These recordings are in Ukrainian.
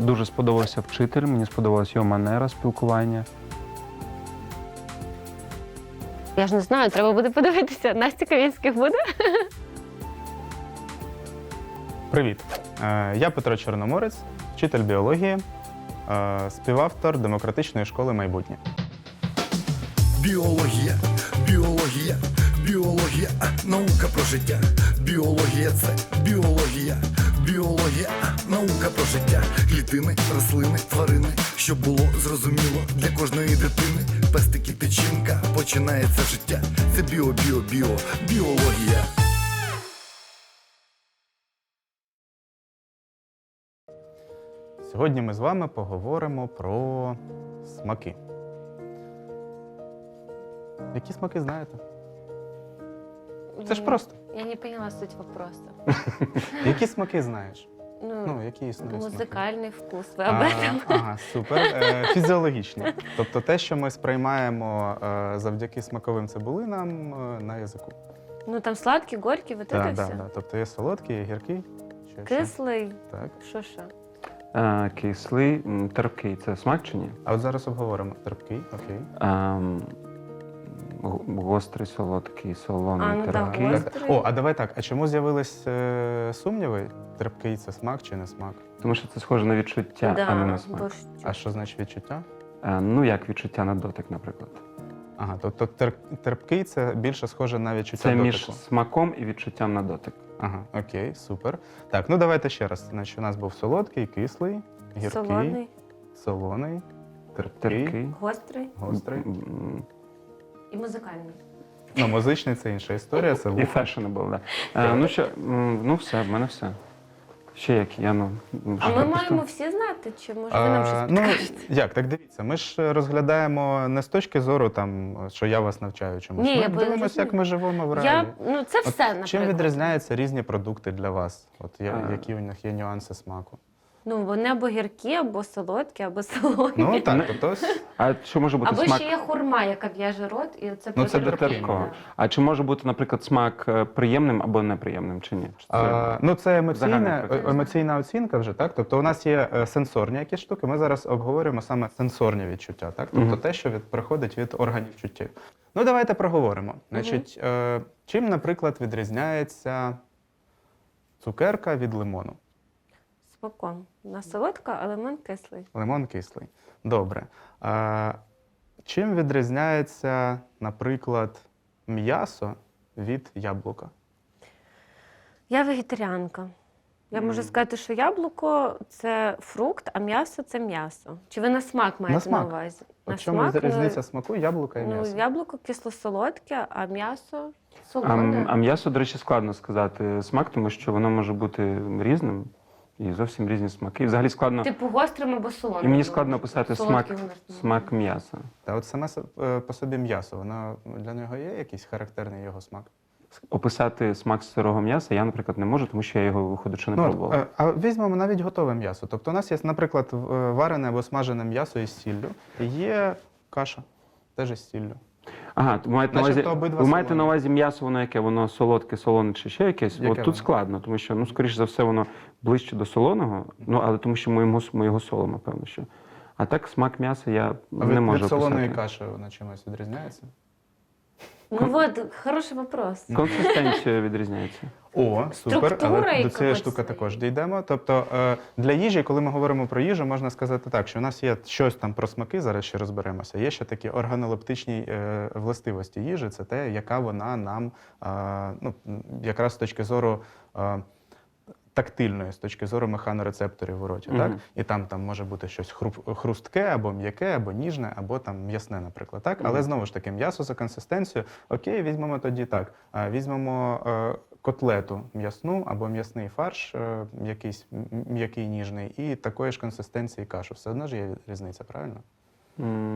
Дуже сподобався вчитель, мені сподобалась його манера спілкування. Я ж не знаю, треба буде подивитися. Настя Камінських буде? Привіт! Я Петро Чорноморець, вчитель біології, співавтор демократичної школи майбутнє. Біологія, біологія, біологія, наука про життя. Біологія – це біологія, біологія, наука про життя. Клітини, рослини, тварини, щоб було зрозуміло для кожної дитини. Пестики, печінка, починається життя. Це біологія. Сьогодні ми з вами поговоримо про смаки. Які смаки знаєте? Це ж просто. Я не поняла суть вопроса. Які смаки знаєш? Ну, Які існують смаки? музикальний вкус, ви об этом? Ага, супер. Фізіологічні. Тобто те, що ми сприймаємо завдяки смаковим цибулинам на язику. Ну там сладкий, горький, вот это все. Так. Тобто є солодкий, є гіркий. Кислий, Так. що? Кислий, терпкий – це смак чи ні? А от зараз обговоримо. Терпкий, окей. Гострий, солодкий, солоний, Ну, да, терпкий. гострий. О, а давай так. А чому з'явились сумніви? Терпкий – це смак чи не смак? Тому що це схоже на відчуття, а не на смак. бо ж- А що значить відчуття? Ну, як відчуття на дотик, наприклад. Ага, тобто терпкий – це більше схоже на відчуття Це дотику. між смаком і відчуттям на дотик. Ага, окей, супер. Так, ну давайте ще раз. Значить, у нас був солодкий, кислий, гіркий, Солоний, солоний, терпкий, Терпкий. гострий гострий. і музикальний. Ну, музичний – це інша історія, це І вухо. fashionable, да. Ну що, ну все, в мене все. Ще які, я А ми маємо всі знати, чи може ви нам щось Ну, підкажете? як, так дивіться, ми ж розглядаємо не з точки зору, там, що я вас навчаю чомусь. Ні, Ми я дивимося, розумію. як ми живемо в реалі. Це От все, наприклад. чим відрізняються різні продукти для вас? От А. які у них є нюанси смаку? Ну, вони або гіркі, або солодкі, або солоні. Ну так, тобто А що може бути Або смак? ще є хурма, яка в'яже рот, і це Ну, просто це до терпкий, такого. да. А чи може бути, наприклад, смак приємним або неприємним, чи ні? Чи це- Ну, це загальний процес. емоційна оцінка вже, так? Тобто у нас є сенсорні якісь штуки, ми зараз обговорюємо саме сенсорні відчуття, так? Тобто Мгм. те, що приходить від органів чуттів. Ну, давайте проговоримо. Значить, чим, наприклад, відрізняється цукерка від лимону? Смаком. Вона солодка, а лимон кислий. Лимон кислий. Добре. Чим відрізняється, наприклад, м'ясо від яблука? Я вегетаріанка. Я можу сказати, що яблуко – це фрукт, а м'ясо – це м'ясо. Чи ви на смак маєте смак. на увазі? В чому різниця смаку яблука і м'яса? Яблуко кисло-солодке, а м'ясо А солоне. м'ясо, до речі, складно сказати смак, тому що воно може бути різним і зовсім різні смаки. І взагалі складно. Типу гострим або солоним. І мені складно описати Солодкий смак, воно ж не смак м'яса. Та от саме по собі м'ясо, воно для нього є якийсь характерний його смак? Описати смак сирого м'яса я, наприклад, не можу, тому що я його, виходячи, не пробував. А візьмемо навіть готове м'ясо. Тобто у нас є, наприклад, варене або смажене м'ясо із сіллю, і є каша, теж із сіллю. Ага, ви маєте на увазі, Начебто обидва ви маєте солоні. на увазі м'ясо, воно яке? Воно солодке, солоне чи ще якесь? Яке От тут воно? складно, тому що, ну, скоріш за все, воно ближче до солоного, ну, але тому що ми його солимо, певно, що. А так смак м'яса я А не можу від солоної описати. каші вона чимось відрізняється? Ну от, хороший вопрос. Консистенція відрізняється. О, супер, Структура але до якогось цієї штуки є. також дійдемо. Тобто для їжі, коли ми говоримо про їжу, можна сказати так, що у нас є щось там про смаки, зараз ще розберемося. Є ще такі органолептичні властивості їжі, це те, яка вона нам, ну, якраз з точки зору тактильної, з точки зору механорецепторів у роті. Так? Мгм. І там може бути щось хрустке, або м'яке, або ніжне, або там м'ясне, наприклад. Так? Але знову ж таки, м'ясо за консистенцією, окей, візьмемо тоді так. Візьмемо котлету м'ясну або м'ясний фарш, якийсь м'який, ніжний, і такої ж консистенції кашу. Все одно ж є різниця, правильно?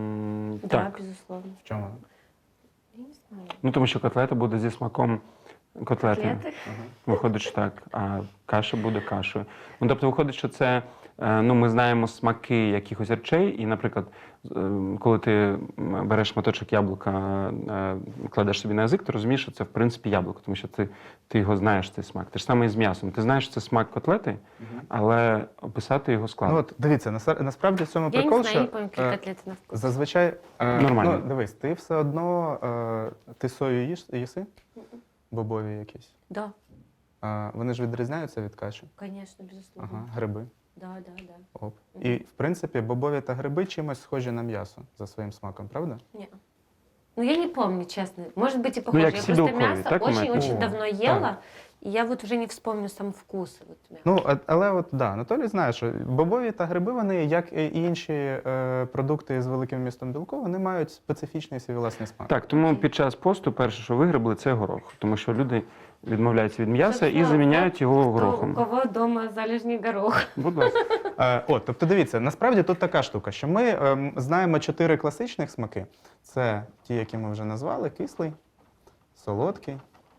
Да, Так. безусловно. В чому? Я не знаю. Ну, тому що котлета буде зі смаком Котлети. Котлети? Виходить, що так, а каша буде кашею. Ну, тобто, виходить, що це, ми знаємо смаки якихось речей, і, наприклад, коли ти береш шматочок яблука, кладеш собі на язик, ти розумієш, що це, в принципі, яблуко, тому що ти його знаєш, цей смак. Те ж саме і з м'ясом. Ти знаєш, що це смак котлети, але описати його складно. Ну, от, дивіться, насправді в цьому Я прикол, не знаю, я що не пам'ятаю, які котлети на вкус. зазвичай... Нормально. Ну, дивись, ти все одно... Ти сою їси? Бобові якісь? Да, Вони ж відрізняються від каші? конечно, безусловно. Ага, гриби. Да. Оп. І, в принципі, бобові та гриби чимось схожі на м'ясо за своїм смаком, правда? Не. Ну, я не помню, честно. Может быть, и похоже. як Я всі просто белкові, мясо так, у мене? очень-очень О, давно ела, и я вот уже не вспомню сам вкус. Вот, мяса. Ну, але от, да, Анатолій знає, що бобові та гриби, вони, як і інші продукти з великим вмістом білку, вони мають специфічний свій власний смак. Так, тому під час посту перше, що вигребли, це горох. Тому що люди відмовляються від м'яса і Собственно, заміняють його Кто- У горохом. кого дома залежний горох? Будь ласка. Тобто дивіться, насправді тут така штука, що ми знаємо 4 класичних смаки. Це ті, які ми вже назвали: кислий, солодкий,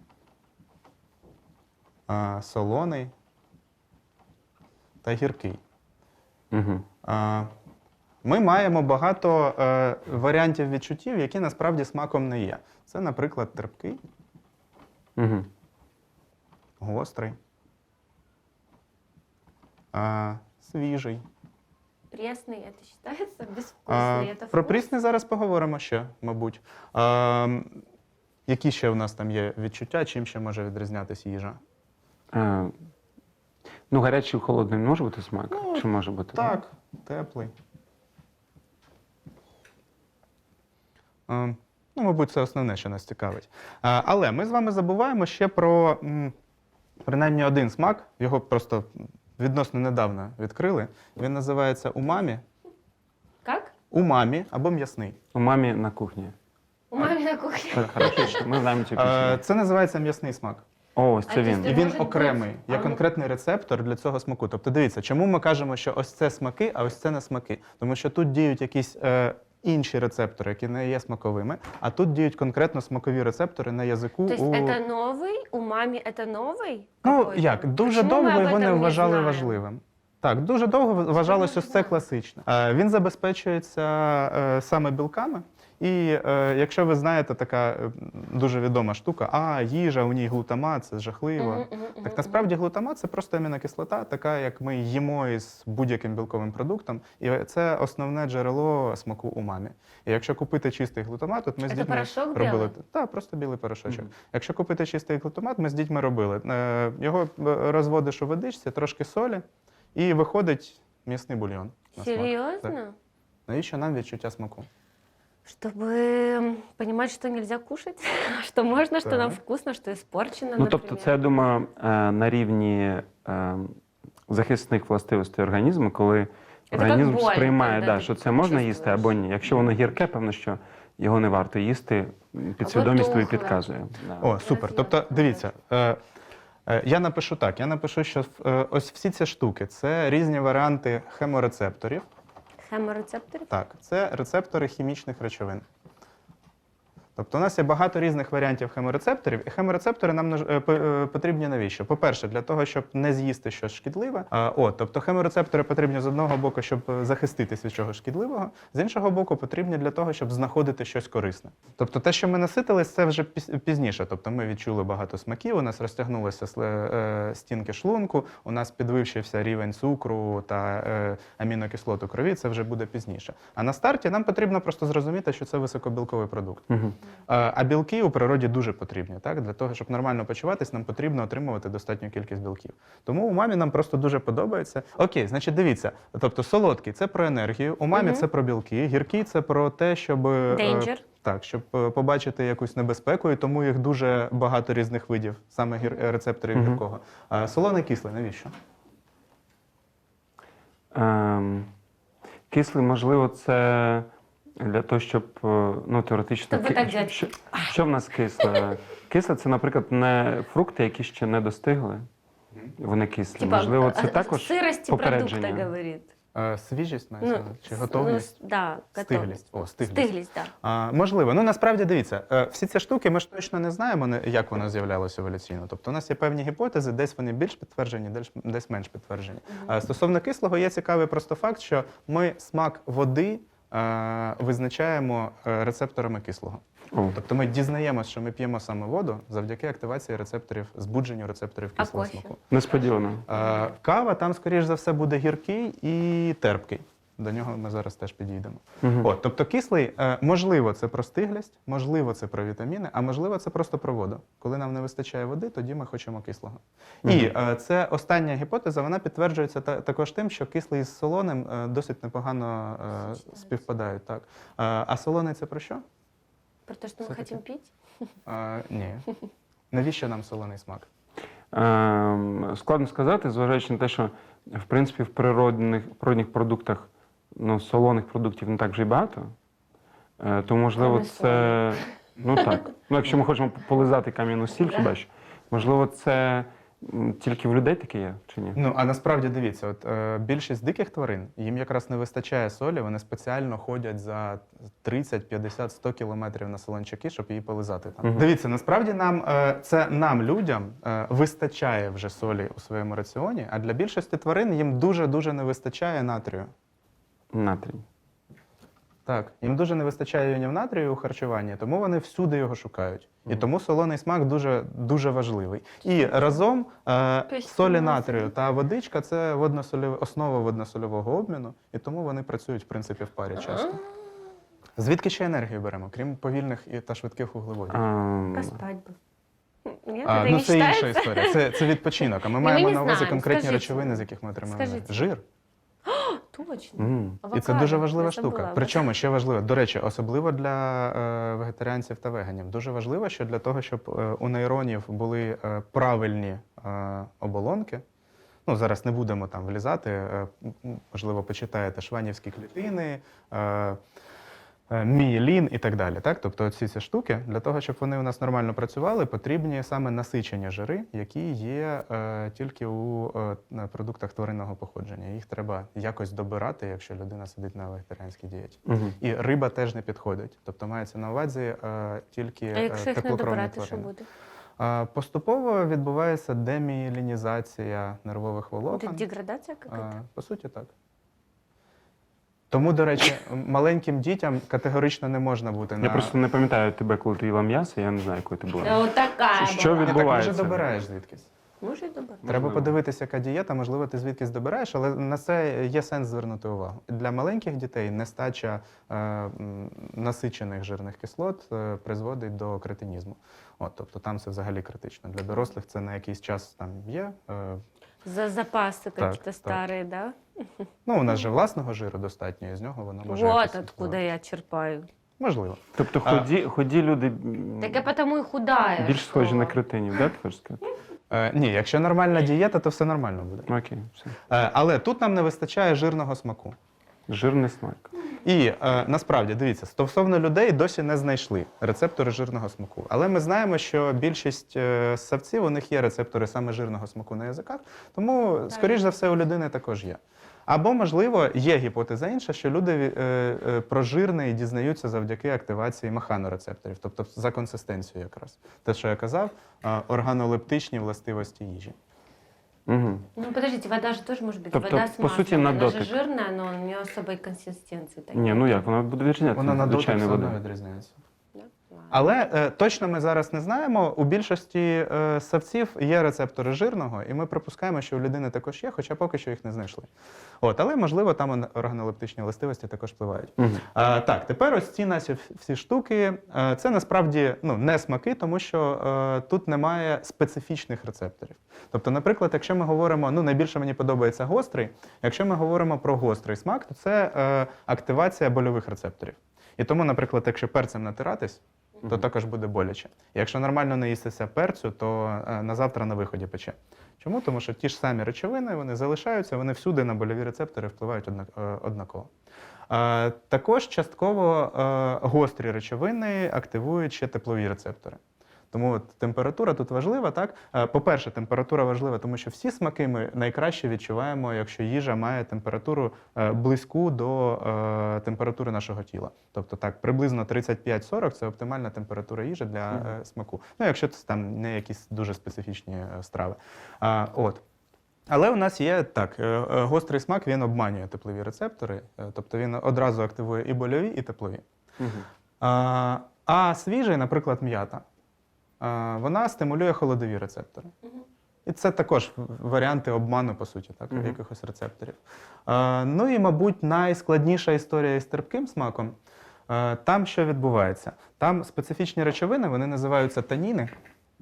солоний та гіркий. Угу. Ми маємо багато варіантів відчуттів, які насправді смаком не є. Це, наприклад, терпкий, Угу. гострий, свіжий. Пресный, это считается безвкусный, это Про вкус? прісний зараз поговоримо ще, мабуть. Які ще в нас там є відчуття, чим ще може відрізнятися їжа? Ну, гарячий і холодний не може бути смак? Чи може бути? Так, теплий. Ну, мабуть, це основне, що нас цікавить. Але ми з вами забуваємо ще про принаймні один смак. Його просто відносно недавно відкрили. Він називається умамі. Как? Умамі або м'ясний. У мамі на кухні. У мамы на кухне. Так, хорошо, ми знаємо цю пісню. Це називається м'ясний смак. О, ось А це ти він. знаєш, І він може окремий, бути. є А ну- конкретний рецептор для цього смаку. Тобто дивіться, чому ми кажемо, що ось це смаки, а ось це не смаки. Тому що тут діють якісь інші рецептори, які не є смаковими, а тут діють конкретно смакові рецептори на язику. То есть это новый, у мамы это новый? Ну, какой-то? як, дуже Почему мы довго об його этом не вважали знаем? важливим. Так, дуже довго вважалось ось це знаю. класичне. Він забезпечується саме білками. І якщо ви знаєте, така дуже відома штука, їжа, у ній глутамат, це жахливо. Так насправді глутамат – це просто амінокислота, така, як ми їмо із будь-яким білковим продуктом. І це основне джерело смаку умамі. І якщо купити чистий глутамат, от ми з Це дітьми порошок робили. білий? Так, просто білий порошочок. Якщо купити чистий глутамат, ми з дітьми робили. Його розводиш у водичці, трошки солі, і виходить м'ясний бульйон. на смак. Серьезно? Так. Навіщо нам відчуття смаку? Чтобы понимать, что нельзя кушать, что можно, что нам Так. вкусно, что испорчено, Ну, например. тобто, це, я думаю, на рівні захисних властивостей організму, коли як організм боль, сприймає, коли да, ти що це можна їсти чувствуєш. або ні. Якщо воно гірке, певно, що його не варто їсти, підсвідомість тобі тухле. підказує. Да. О, супер. Тобто, дивіться, я напишу так. Я напишу, що ось всі ці штуки – це різні варіанти хеморецепторів. Хеморецепторы? Так, це рецептори хімічних речовин. Тобто у нас є багато різних варіантів хеморецепторів, і хеморецептори нам потрібні навіщо? По-перше, для того, щоб не з'їсти щось шкідливе. Тобто хеморецептори потрібні з одного боку, щоб захиститись від чогось шкідливого, з іншого боку, потрібні для того, щоб знаходити щось корисне. Тобто те, що ми наситились, це вже пізніше. Тобто ми відчули багато смаків, у нас розтягнулися стінки шлунку, у нас підвищився рівень цукру та амінокислот у крові, це вже буде пізніше. А на старті нам потрібно просто зрозуміти, що це високобілковий продукт. Мгм. А білки у природі дуже потрібні. Так? Для того, щоб нормально почуватись, нам потрібно отримувати достатню кількість білків. Тому у мамі нам просто дуже подобається. Окей, значить, дивіться. Тобто солодкий – це про енергію, у мамі це про білки, гіркий – це про те, щоб... Danger. Так, щоб побачити якусь небезпеку, і тому їх дуже багато різних видів, саме рецепторів гіркого. А солоний, кислий – навіщо? Кислий, можливо, це для того, щоб, теоретично... Щоб так взяти. Що в нас кисле? Кисле – це, наприклад, не фрукти, які ще не достигли. Вони кислі. Типа, Можливо, це о також сырости попередження. продукта говорит. Свіжість мається на увазі? Чи готовність? Да, Стиглість. О, стиглість. Стиглість, так. Можливо. Ну, насправді, дивіться, всі ці штуки ми ж точно не знаємо, як воно з'являлося еволюційно. Тобто у нас є певні гіпотези, десь вони більш підтверджені, десь менш підтверджені. Стосовно кислого, є цікавий просто факт, що ми смак води визначаємо рецепторами кислого. О. Тобто ми дізнаємося, що ми п'ємо саме воду завдяки активації рецепторів, збудженню рецепторів А кислого кофе? смаку. Несподівано. Кава там, скоріш за все, буде гіркий і терпкий. До нього ми зараз теж підійдемо. Тобто кислий, можливо, це про стиглість, можливо, це про вітаміни, а можливо, це просто про воду. Коли нам не вистачає води, тоді ми хочемо кислого. І це остання гіпотеза, вона підтверджується також тим, що кислий з солоним досить непогано співпадають. Так. А солоний це про що? Про те, що ми хочемо пити? Ні. Навіщо нам солоний смак? Складно сказати, зважаючи на те, що в принципі в природних продуктах солоних продуктів не так вже й багато. То можливо Кроме це. Ну так. Ну, якщо ми хочемо полизати кам'яну сіль, хіба що, можливо, це тільки в людей таке є, чи ні? Ну, а насправді дивіться, більшість диких тварин, їм якраз не вистачає солі, вони спеціально ходять за 30, 50, 100 кілометрів на солончаки, щоб її полизати там. Дивіться, насправді нам, людям, вистачає вже солі у своєму раціоні, а для більшості тварин їм дуже-дуже не вистачає натрію. Натрій. Так, їм дуже не вистачає іонів натрію у харчуванні, тому вони всюди його шукають. І тому солоний смак дуже, дуже важливий. І разом солі натрію та водичка – це основа водносольового обміну, і тому вони працюють, в принципі, в парі часто. Звідки ще енергію беремо, крім повільних та швидких вуглеводів? Спать би. Ні, Ну, це інша історія, це відпочинок. А ми маємо не на увазі знаємо. конкретні Скажіть речовини, мені. з яких ми отримуємо енергію. Скажіть. Жир. Точно. І це Авокадо. дуже важлива Я забула штука. об Причому ще важливо, до речі, особливо для вегетаріанців та веганів. Дуже важливо, що для того, щоб у нейронів були правильні оболонки. Ну, зараз не будемо там влізати, можливо, почитаєте шванівські клітини, мієлін і так далі. Так? Тобто ці штуки, для того, щоб вони у нас нормально працювали, потрібні саме насичені жири, які є тільки у продуктах тваринного походження. Їх треба якось добирати, якщо людина сидить на вегетаріанській дієті. І риба теж не підходить. Тобто мається на увазі тільки А якщо їх не теплокровні добирати, що тварини. буде? Поступово відбувається демієлінізація нервових Буде волокон. деградація якась? По суті, так. Тому, до речі, маленьким дітям категорично не можна бути на... Я просто не пам'ятаю тебе, коли ти їла м'ясо, я не знаю, якою ти була. Отака. Що Ні, так, відбувається? може, добираєш звідкись. Може і добре. Треба Можливо. подивитися, яка дієта, можливо, ти звідкись добираєш, але на це є сенс звернути увагу. Для маленьких дітей нестача насичених жирних кислот призводить до кретинізму. Тобто там це взагалі критично. Для дорослих це на якийсь час там є. За запаси Так, какие-то старые, да? Ну, у нас же власного жиру достатньо, і з нього воно може Вот якось откуда впливати. я черпаю. Можливо. Тобто ході люди Так я потому и худая. більш схожі что- на кретинів, так, ти хочеш сказати? Ні, якщо нормальна дієта, то все нормально буде. Окей, все. Але тут нам не вистачає жирного смаку. Жирний смак. І насправді, дивіться, стосовно людей досі не знайшли рецептори жирного смаку. Але ми знаємо, що більшість ссавців, у них є рецептори саме жирного смаку на язиках, тому, скоріш за все, у людини також є. Або, можливо, є гіпотеза інша, що люди про жирне дізнаються завдяки активації механорецепторів, тобто за консистенцією якраз. Те, що я казав, органолептичні властивості їжі. Угу. Ну подождите, вода же тоже может быть. Тобто, Вода с по суті, маслом. на Она же дотик. жирная, но у нее особой консистенции. такой. Ні, ну як, вона буде відрізнятися Вона на від дотик все звичайної одно води. відрізняється. Да? Ладно. Але точно ми зараз не знаємо. У більшості ссавців є рецептори жирного, і ми припускаємо, що у людини також є, хоча поки що їх не знайшли. Але, можливо, там органолептичні властивості також впливають. Так, тепер ось ці наші всі штуки, це насправді не смаки, тому що тут немає специфічних рецепторів. Тобто, наприклад, якщо ми говоримо, найбільше мені подобається гострий, якщо ми говоримо про гострий смак, то це активація больових рецепторів. І тому, наприклад, якщо перцем натиратись, то також буде боляче. Якщо нормально не їстися перцю, то на завтра на виході пече. Чому? Тому що ті ж самі речовини, вони залишаються, вони всюди на больові рецептори впливають однаково. Також частково гострі речовини активують ще теплові рецептори. Тому от температура тут важлива, так? По-перше, температура важлива, тому що всі смаки ми найкраще відчуваємо, якщо їжа має температуру близьку до температури нашого тіла. Тобто так, приблизно 35-40 – це оптимальна температура їжі для смаку. Ну, якщо це там не якісь дуже специфічні страви. От. Але у нас є так, гострий смак, він обманює теплові рецептори, тобто він одразу активує і больові, і теплові. А свіжий, наприклад, м'ята, вона стимулює холодові рецептори. І це також варіанти обману, по суті, так, якихось рецепторів. Ну і, мабуть, найскладніша історія із терпким смаком. Там що відбувається? Там специфічні речовини, вони називаються таніни.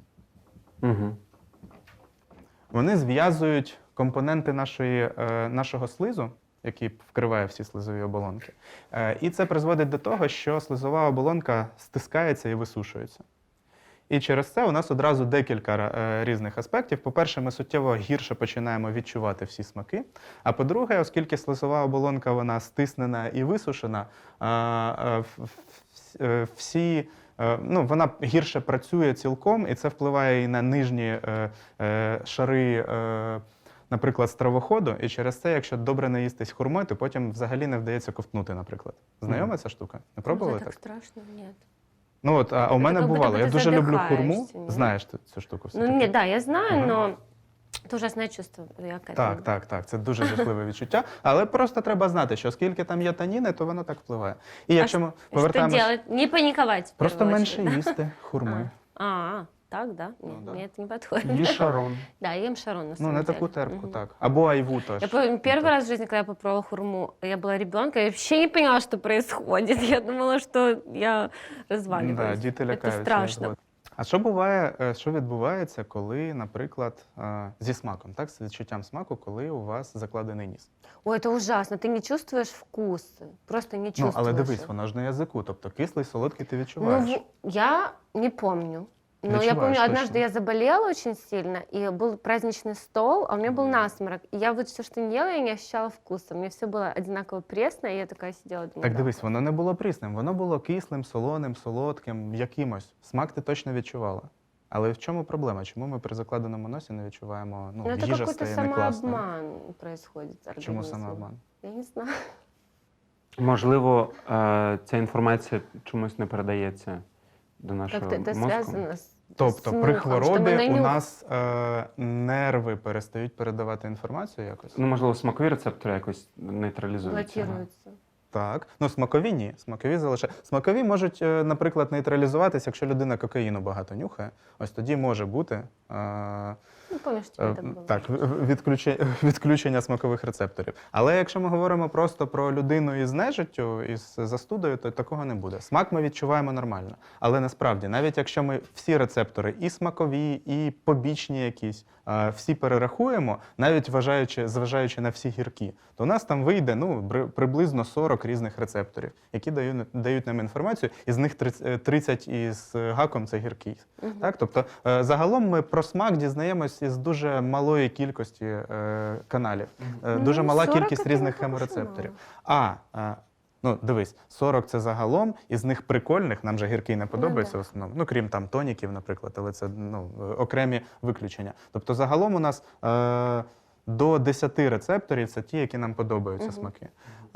Вони зв'язують компоненти нашого слизу, який вкриває всі слизові оболонки. І це призводить до того, що слизова оболонка стискається і висушується. І через це у нас одразу декілька різних аспектів. По-перше, ми суттєво гірше починаємо відчувати всі смаки. А по-друге, оскільки слизова оболонка вона стиснена і висушена, вона гірше працює цілком, і це впливає і на нижні шари, наприклад, стравоходу. І через це, якщо добре наїстись хурмою, то потім взагалі не вдається ковтнути, наприклад. Знайома ця штука? Не пробували Це так? так страшно, ні. Ну от, а у мене как будто бувало. бы Я ты дуже люблю хурму. задыхаешься, нет? Знаєш ти цю штуку все-таки? Ну, нет, да, я знаю, Ага. но это ужасное чувство. Я к этому. Так. Це дуже жахливе відчуття. Але просто треба знати, що оскільки там є таніни, то воно так впливає. І якщо ми Что повертаємось... делать? Не паниковать. в Просто первую менше очередь, їсти хурми. Так, да? Нет, да. мне это не подходит. Є шарон. Да, я ем шарон, на Ну, самом не деле. таку терпку, Мгм. так. Або айву теж. Я помню, первый так. раз в жизни, когда я попробовала хурму, я была ребенком, я вообще не поняла, что происходит. Я думала, что я разваливаюсь. Да, діти Это лякаються. страшно. от. А що буває, що відбувається, коли, наприклад, зі смаком, так, з відчуттям смаку, коли у вас закладений ніс? Ой, это ужасно. Ты не чувствуешь вкус. Просто не Ну, чувствуешь. але дивись, их. воно ж на язику, тобто кислий, солодкий ти Ну, відчуваєш. я не помню. Но я Відчуваєш помню, однажды точно. я заболела очень сильно, и был праздничный стол, а у меня был насморк. И я вот все, что не ела, я не ощущала вкуса. Мне все было одинаково пресно, и я такая сидела, думала, Так да. дивись, воно не було прісним, воно було кислим, солоним, солодким, якимось. Смак ти точно відчувала. Але в чому проблема? Чому ми при закладеному носі не відчуваємо, Ну, это їжа какой-то стає не класною? самообман происходит с Чому организмом. самообман? Я не знаю. Можливо, ця інформація чомусь не передається до нашого Как-то это мозку. связано с Тобто с при нюхом, что мы хворобі на у нюх- нас нерви перестають передавати інформацію якось? Ну, можливо, смакові рецептори якось нейтралізуються. блокируется. Так. Ну, смакові ні. Смакові залишають. Смакові можуть, наприклад, нейтралізуватися, якщо людина кокаїну багато нюхає. Ось тоді може бути Ну, помнишь, что это было? так, відключення смакових рецепторів. Але якщо ми говоримо просто про людину із нежиттю, із застудою, то такого не буде. Смак ми відчуваємо нормально. Але насправді, навіть якщо ми всі рецептори, і смакові, і побічні якісь, всі перерахуємо, навіть зважаючи на всі гіркі, то у нас там вийде приблизно 40 різних рецепторів, які дають нам інформацію, із них 30 із гаком це гіркий. Так? Тобто загалом ми про смак дізнаємось із дуже малої кількості каналів, дуже мала 40 кількість це не різних так уж і хеморецепторів. Ну, дивись, 40 це загалом, із них прикольних, нам же гіркий не подобається да. в основному, ну, крім там тоніків, наприклад, але це окремі виключення. Тобто загалом у нас до 10 рецепторів це ті, які нам подобаються смаки.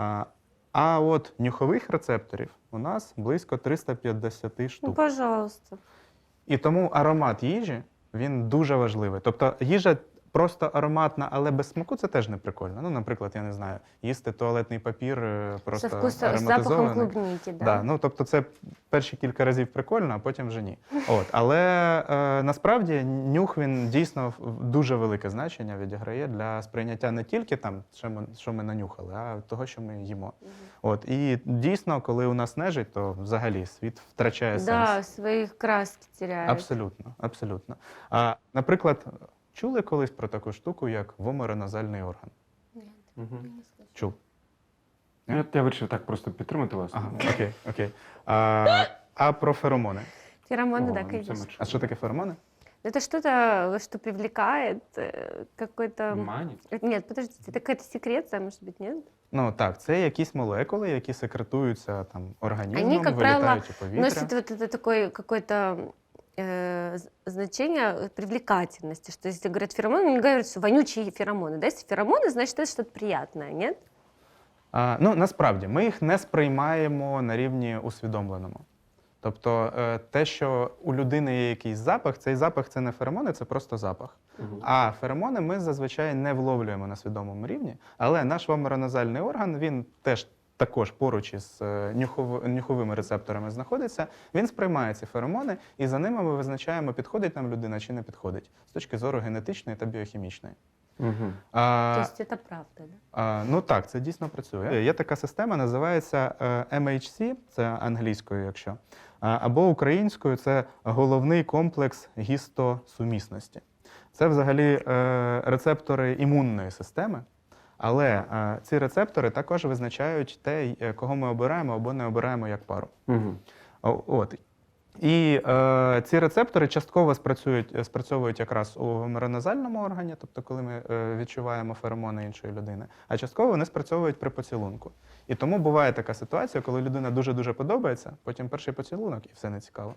А от нюхових рецепторів у нас близько 350 Ну, штук. пожалуйста. І тому аромат їжі, він дуже важливий. Тобто їжа просто ароматна, але без смаку це теж не прикольно. Ну, наприклад, я не знаю, їсти туалетний папір просто Со запахом ароматизований. клубники, да? Да, ну, тобто це перші кілька разів прикольно, а потім вже ні. От, але насправді нюх, він дійсно дуже велике значення відіграє для сприйняття не тільки там, що ми нанюхали, а того, що ми їмо. От, і дійсно, коли у нас нежить, то взагалі світ втрачає Да, сенс. свои краски теряет. Абсолютно, абсолютно. Наприклад, чули колись про таку штуку, як вомороназальний орган? Чув? Я вирішив так просто підтримати вас. Ага, окей. А про феромони? Феромоны, О, да, ну, це ми конечно. А що таке феромони? Это что-то, что привлекает какой-то... Манить? Нет, подождите, это какая-то секреция, может быть, нет? Ну так, це якісь молекули, які секретуються там організмом, Они, как правило, вилітають у повітря. носят вот это такой какой-то значение привлекательности, что если говорят феромоны, не говорят, что вонючие феромоны. Да? Если феромоны, значит, это что-то приятное, нет? Ну, насправді, ми їх не сприймаємо на рівні усвідомленому. Тобто те, що у людини є якийсь запах, цей запах це не феромони, це просто запах. А феромони ми зазвичай не вловлюємо на свідомому рівні, але наш вомероназальний орган, він теж також поруч із нюховими рецепторами знаходиться, він сприймає ці феромони, і за ними ми визначаємо, підходить нам людина чи не підходить, з точки зору генетичної та біохімічної. То есть это правда, да? Ну так, це дійсно працює. Є така система, називається MHC, це англійською, якщо, або українською це головний комплекс гістосумісності. Це взагалі рецептори імунної системи, але ці рецептори також визначають те, кого ми обираємо або не обираємо як пару. От. І ці рецептори частково спрацьовують якраз у вомероназальному органі, тобто коли ми відчуваємо феромони іншої людини, а частково вони спрацьовують при поцілунку. І тому буває така ситуація, коли людина дуже-дуже подобається, потім перший поцілунок і все не цікаво.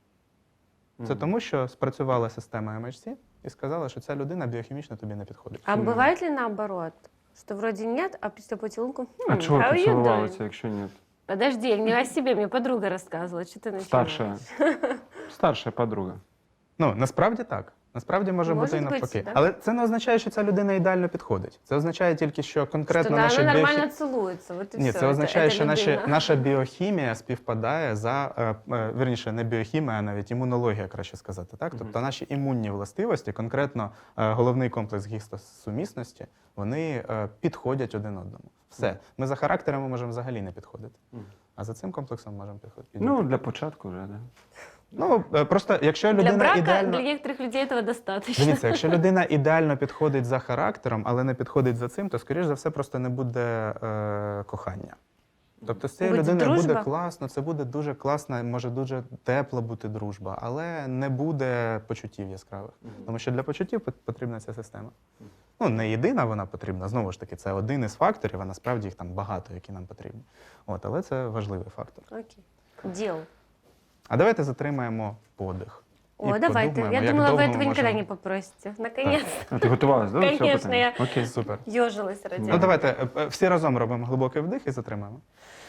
Це тому, що спрацювала система MHC і сказала, що ця людина біохімічно тобі не підходить. А бывает ли наоборот? Что вроде нет, а после поцелунку А чого how you поцілувалися, doing? якщо ні? Подожди, не о себе, мне подруга рассказывала, что ты начинаешь. Старша подруга. Ну, насправді так. Насправді може Може бути і бути, навпаки. так. Але це не означає, що ця людина ідеально підходить. Це означає тільки, що конкретно Что да, наші она біохі- нормально целуется, вот и Ні, все. це означає, що людина. наша біохімія співпадає вірніше, не біохімія, а навіть імунологія, краще сказати. Так? Тобто наші імунні властивості, конкретно головний комплекс гістосумісності, вони підходять один одному. Все. Ми за характерами можемо взагалі не підходити. А за цим комплексом можемо підходити. Ну, для початку вже, да. Ну, просто якщо Для людина брака ідеально... для некоторых людей этого достаточно. Дивіться, якщо людина ідеально підходить за характером, але не підходить за цим, то, скоріш за все, просто не буде кохання. Тобто з цією Буде людиною буде дружба? класно, це буде дуже класна, може дуже тепла бути дружба, але не буде почуттів яскравих. Тому що для почуттів потрібна ця система. Ну, не єдина вона потрібна, знову ж таки, це один із факторів, а насправді їх там багато, які нам потрібні. От, але це важливий фактор. Окей. Дел. А давайте затримаємо подих. О, І давайте. подумаємо, Я як думала, вы довго этого ми никогда можемо- не попросите. Наконец-то. А ти готувалась, да? до цього Конечно, питання? я- Окей. Супер. Ёжилась ради Ну этого. давайте всі разом робимо глибокий вдих і затримаємо.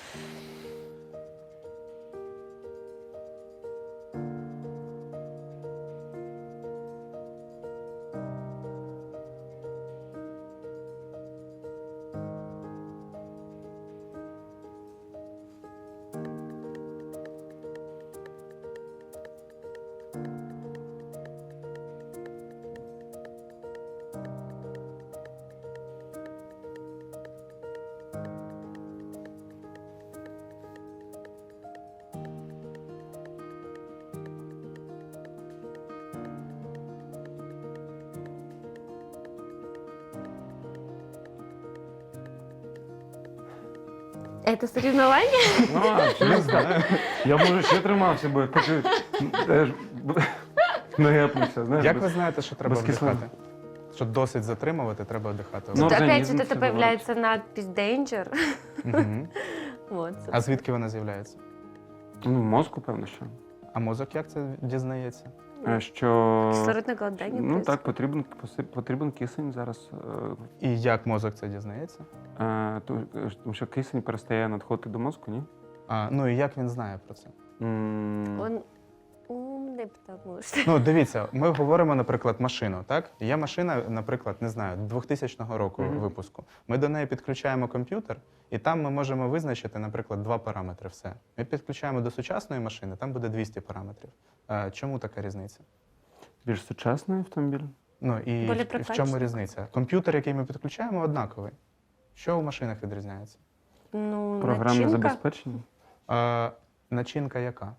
Это соревнование? Ну, а, через так. Я, може, ще тримався, бо поки теж не гепнувся, знаєш. Як без- ви знаєте, що треба без кислин. вдихати? Що досить затримувати, треба вдихати. Ну, Тут опять организм вот это всё появляется надпись Danger. Мгм. Вот. А звідки вона з'являється? Ну, мозку, певно, що. А мозок як це дізнається? Що... Кислородное голодание Ну так, происходит. потрібен кисень зараз. І як мозок це дізнається? Тому що кисень перестає надходити до мозку, ні? Ну і як він знає про це? Он умный, потому что... Ну, дивіться, ми говоримо, наприклад, машину, так? Є машина, наприклад, не знаю, 2000 року випуску. Ми до неї підключаємо комп'ютер, і там ми можемо визначити, наприклад, 2 параметри, все. Ми підключаємо до сучасної машини, там буде 200 параметрів. Чому така різниця? Більш сучасний автомобіль. Ну і Более в чому прокачаний. різниця? Комп'ютер, який ми підключаємо, однаковий. Що у машинах відрізняється? Ну, Програмне начинка. забезпечення, Начинка яка?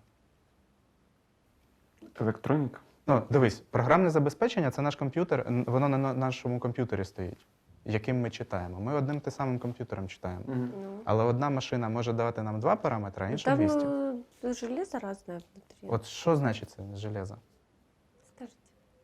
електроніка. Ну, дивись, програмне забезпечення це наш комп'ютер, воно на нашому комп'ютері стоїть, яким ми читаємо. Ми одним те самим комп'ютером читаємо. Ну, Але одна машина може давати нам 2 параметри, а інша там 200. железо разное внутри. От що значить це железо? Скажите.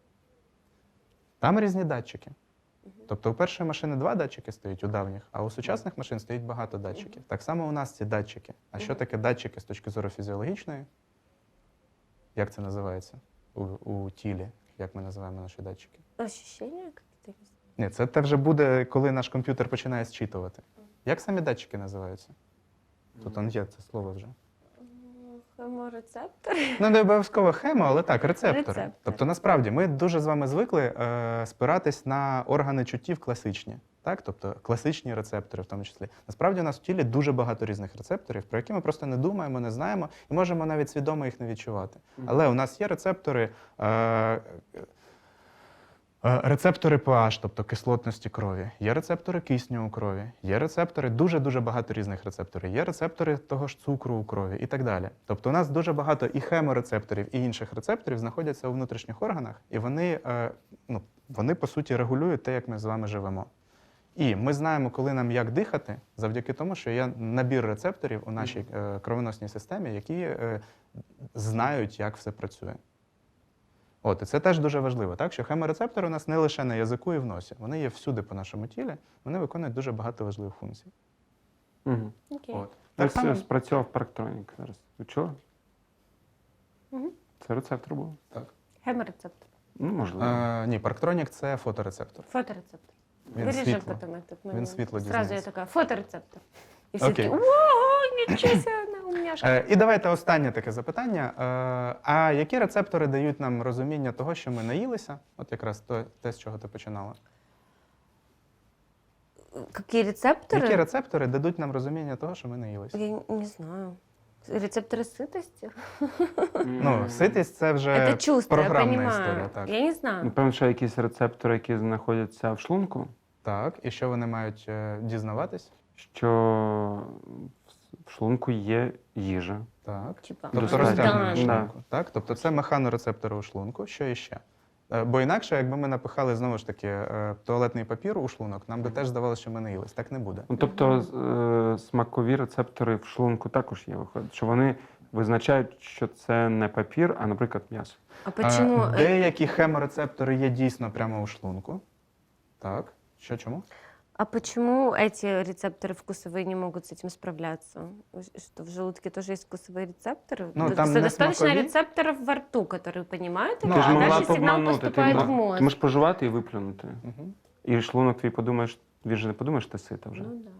Там різні датчики. Тобто у першої машини 2 датчики стоять у давніх, а у сучасних машин стоїть багато датчиків. Так само у нас ці датчики. А що таке датчики з точки зору фізіологічної? Як це називається? у тілі, як ми називаємо наші датчики. Ощущення якісь? Ні, це вже буде, коли наш комп'ютер починає зчитувати. Як самі датчики називаються? Тут он є це слово вже. Хеморецептори. Ну, не обов'язково хемо, але так, рецептори. Рецептори. Тобто, насправді, ми дуже з вами звикли спиратись на органи чуттів класичні. Так? Тобто класичні рецептори в тому числі. Насправді у нас в тілі дуже багато різних рецепторів, про які ми просто не думаємо, не знаємо і можемо навіть свідомо їх не відчувати. Але у нас є рецептори, рецептори pH, тобто кислотності крові, є рецептори кисню у крові, є рецептори, дуже-дуже багато різних рецепторів, є рецептори того ж цукру у крові і так далі. Тобто у нас дуже багато і хеморецепторів, і інших рецепторів знаходяться у внутрішніх органах, і вони по суті регулюють те, як ми з вами живемо. І ми знаємо, коли нам як дихати, завдяки тому, що є набір рецепторів у нашій кровоносній системі, які знають, як все працює. От, і це теж дуже важливо, так? Що хеморецептори у нас не лише на язику і в носі. Вони є всюди по нашому тілі, вони виконують дуже багато важливих функцій. Угу. Окей. От. Так само- спрацьовав парктронік зараз. Ви чули? Мгм. Це рецептор був? Хеморецептор. Ну, можливо. Ні, парктронік – це фоторецептор. Фоторецептор. Він Виріжемо світло. потім. Він світло Зразу я дізнається. така, фоторецептор. І всі Окей. такі, ого, нічого себе, умняшка. І давайте останнє таке запитання. А які рецептори дають нам розуміння того, що ми наїлися? От якраз те, з чого ти починала. Які рецептори? Які рецептори дадуть нам розуміння того, що ми наїлися? Я не знаю. Рецепторы сытости? Ну, ситість – це вже Это чувство, я програмна понимаю. історія. Так. Я не знаю. Напевно, що якісь рецептори, які знаходяться в шлунку, Так, і що вони мають дізнаватись? що в шлунку є їжа. Так. Типа, Тобто Достатньо. розтягнення Да. шлунку. Так? Тобто це механорецептори у шлунку. Що іще? Бо інакше, якби ми напихали, знову ж таки, туалетний папір у шлунок, нам би теж здавалося, що ми наїлись. Так не буде. Ну, тобто смакові рецептори в шлунку також є, виходить, що вони визначають, що це не папір, а, наприклад, м'ясо. А почему? Деякі хеморецептори є дійсно прямо у шлунку. Так. Що, чому? А почему эти рецепторы вкусовые не могут с этим справляться? Что в желудке тоже есть вкусовые рецепторы? Ну, там не достаточно смакові. рецепторов во рту, которые понимают, Ну, это, Ти ж а могла дальше б сигнал обманути. поступает в мозг. Ти можеш пожувати і виплюнути. Угу. І шлунок твій подумаєш, він же не подумаєш, ти сита вже. Ну да.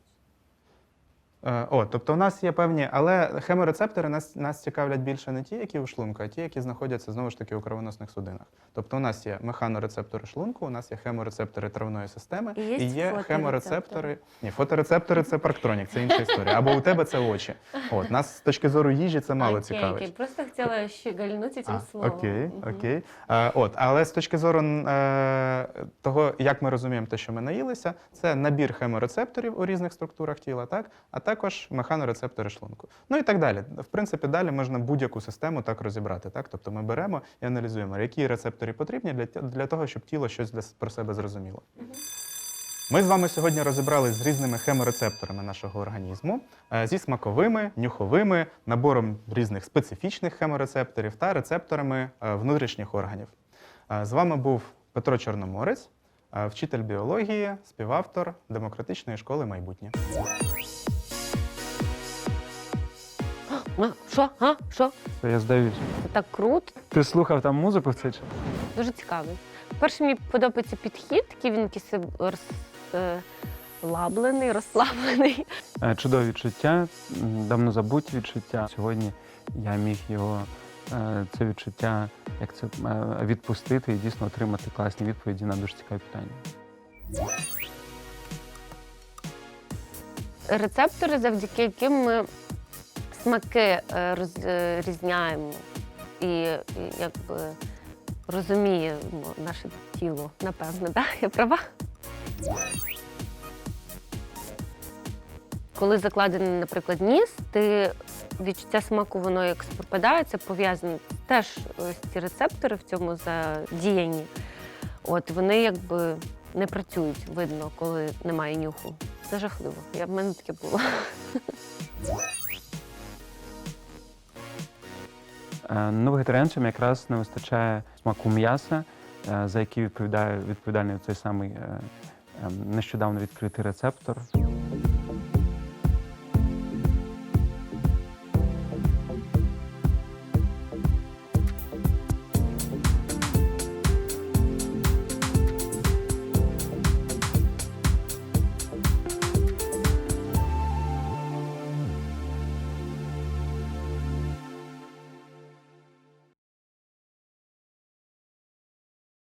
Тобто у нас є певні, але хеморецептори нас цікавлять більше не ті, які у шлунку, а ті, які знаходяться знову ж таки у кровоносних судинах. Тобто у нас є механорецептори шлунку, у нас є хеморецептори травної системи І є є фоторецептори. хеморецептори. Ні, фоторецептори це парктронік, це інша історія. Або у тебе це очі. От нас з точки зору їжі це мало Окей, цікавить. окей. Просто хотела щегольнуть этим словом. Окей, Мгм. окей. Але з точки зору того, як ми розуміємо те, що ми наїлися, це набір хеморецепторів у різних структурах тіла, так? А також механорецептори шлунку. Ну і так далі. В принципі, далі можна будь-яку систему так розібрати. Так? Тобто ми беремо і аналізуємо, які рецептори потрібні для того, щоб тіло щось про себе зрозуміло. Ми з вами сьогодні розібрались з різними хеморецепторами нашого організму, зі смаковими, нюховими, набором різних специфічних хеморецепторів та рецепторами внутрішніх органів. З вами був Петро Чорноморець, вчитель біології, співавтор Демократичної школи майбутнє. Що? Що? Це я здаюсь. Це так круто. Ти слухав там музику в цей час? Дуже цікавий. По-перше, мені подобається підхід, такий він якийсь розслаблений. Чудові відчуття, давно забуті відчуття. Сьогодні я міг його, це відчуття, як це, відпустити і дійсно отримати класні відповіді на дуже цікаві питання. Рецептори, завдяки яким ми смаки розрізняємо і якби розуміємо наше тіло, напевно, да? Я права? Коли закладений, наприклад, ніс, ти відчуття смаку, воно як пропадає, це пов'язано теж ось ці рецептори в цьому задіянні. От вони якби не працюють, видно, коли немає нюху. Це жахливо. В мене таке було. Ну, вегетаріанцям якраз не вистачає смаку м'яса, за який відповідальний цей самий нещодавно відкритий рецептор.